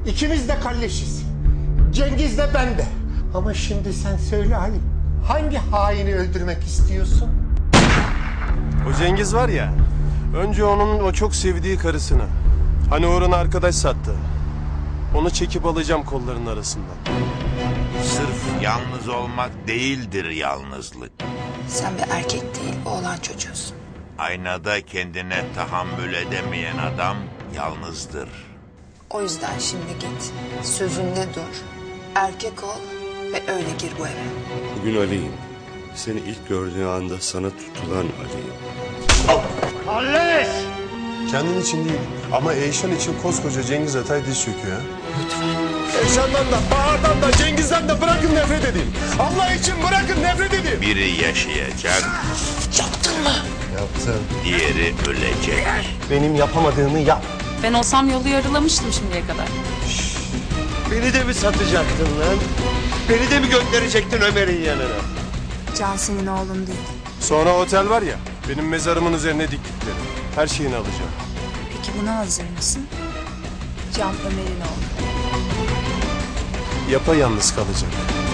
İkimiz de kalleşiz. Cengiz de ben de. Ama şimdi sen söyle Ali. Hangi haini öldürmek istiyorsun? O Cengiz var ya, önce onun o çok sevdiği karısını, hani uğruna arkadaş sattı. Onu çekip alacağım kollarının arasından. Sırf yalnız olmak değildir yalnızlık. Sen bir erkek değil, oğlan çocuğusun. Aynada kendine tahammül edemeyen adam yalnızdır. O yüzden şimdi git, sözünde dur, erkek ol ve öyle gir bu eve. Bugün Ali'yim. Seni ilk gördüğü anda sana tutulan Ali'yim. Kendin için değil ama Eyşan için koskoca Cengiz Atay diz çöküyor ha. Lütfen. Eyşan'dan da, Bahar'dan da, Cengiz'den de bırakın nefret edeyim. Allah için bırakın nefret edeyim. Biri yaşayacak, Yaptım. diğeri ölecek. Benim yapamadığımı yap. Ben olsam yolu yarılamıştım şimdiye kadar. Beni de mi satacaktın lan? Beni de mi gönderecektin Ömer'in yanına? Can senin oğlun değil. Sonra otel var ya, benim mezarımın üzerine diktikleri. Her şeyini alacağım. Peki buna hazır mısın? Can Ömer'in oğlu. Yapayalnız kalacak.